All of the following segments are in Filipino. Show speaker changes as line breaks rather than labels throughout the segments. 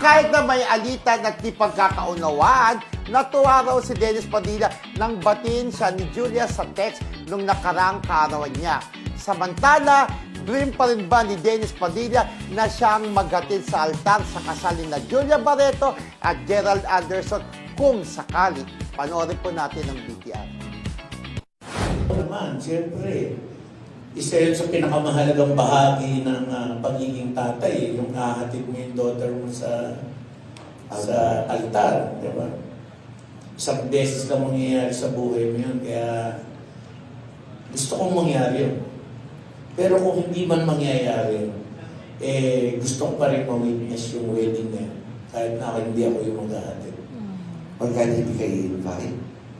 kahit na may alitan at di pagkakaunawaan, natuwa raw si Dennis Padilla nang batiin siya ni Julia sa text nung nakarang kaarawan niya. Samantala, dream pa rin ba ni Dennis Padilla na siyang maghatid sa altar sa kasal ni na Julia Barreto at Gerald Anderson kung sakali? Panoorin po natin ang BTR.
Naman, siyempre, isa yun sa pinakamahalagang bahagi ng pagiging tatay, yung hahatid mo yung daughter mo sa altar, di ba? Isang beses lang mangyayari sa buhay mo yun, kaya gusto kong mangyari yun. Pero kung hindi man mangyayari, gusto ko pa rin ma-witness yung wedding na yun, kahit na hindi ako yung maghahatid.
Pagka hindi kayo invite?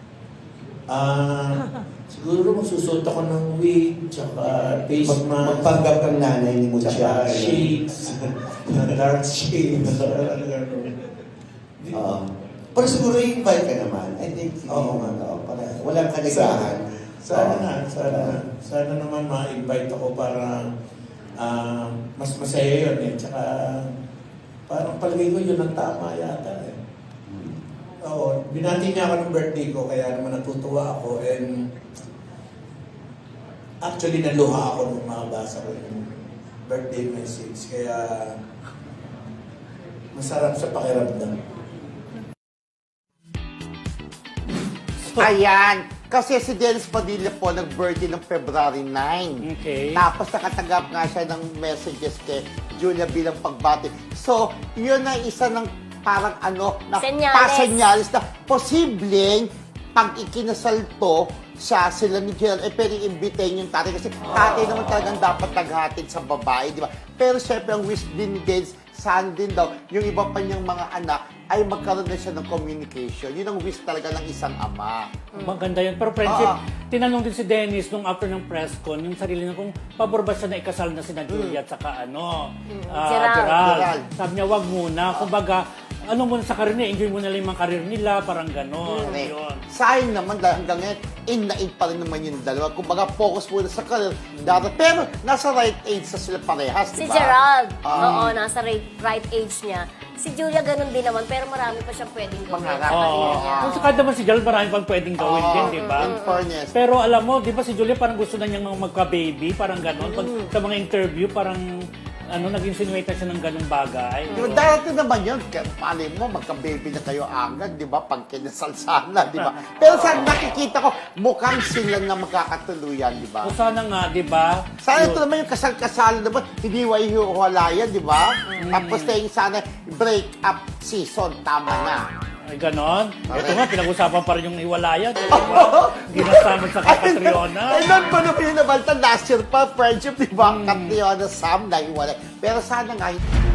Siguro magsusot ako ng wig, tsaka face mask,
Magpanggap kang nanay ni Mucha.
tsaka shades, dark shades.
Pero siguro invite ka naman. I think,
Oo.
para walang kanagahan.
Sana naman ma-invite ako para mas masaya yun eh. Tsaka parang palagay ko yun ang tama yata eh. Oo, binati niya ako ng birthday ko kaya naman natutuwa ako and actually naluha ako nung makabasa ko yung birthday message kaya masarap sa pakiramdam.
Ayan, kasi si Dennis Padilla po nag-birthday ng February 9.
Okay.
Tapos nakatanggap nga siya ng messages kay Julia bilang pagbati. So, yun ang isa ng parang na
Senyales.
pasenyalis na posibleng pag ikinasal to sila ni Gerald, pwedeng imbitahin yung tatay kasi tatay naman talagang dapat naghatid sa babae, di ba? Pero syempre ang wish din ni Dennis, saan din daw, yung iba pa niyang mga anak ay magkaroon na siya ng communication. Yun ang wish talaga ng isang ama.
Maganda yun. Pero friendship, tinanong din si Dennis nung after ng press con, yung sarili niya kung pabor ba siya na ikasal na sina Julia at saka Gerald. Sabi niya, wag muna. Kumbaga, ano muna sa karir niya, enjoy muna lang yung mga karir nila, parang gano'n. Yun.
Sayang naman dahil hanggang ngayon, in na in pa rin naman yung dalawa. Kumbaga, focus muna sa career. Pero nasa right age na sila parehas,
Si
di ba?
Gerald, oo, nasa right age niya. Si Julia ganun din naman, pero marami pa siyang pwedeng gawin
Pangarap.
sa career
Oo.
niya.
Kung sa naman si Gerald, marami pang pwedeng gawin din, di ba?
In fairness.
Pero alam mo, di ba si Julia parang gusto na niyang magka-baby, parang gano'n. Pag sa mga interview, parang nag-insinuate na siya ng ganung bagay.
Di ba, darating naman yun. Pali mo, magka-baby na kayo agad, di ba? Pag kinasal sana, di ba? Pero sa nakikita ko, mukhang sila na magkakatuluyan, di ba?
O sana nga, di ba?
Sana ito naman yung kasal-kasalan naman, hindi hiwalayan, di ba? Tapos na yung sana break-up season, tama na.
Ay, ganon. Ito nga, pinag-usapan pa rin yung hiwalayan. Di ba? Ginasamad sa Catriona.
Ay, nun pa nung pinabalta, last year pa, friendship, di ba? Catriona, Sam, nahiwalay. Pero sana nga,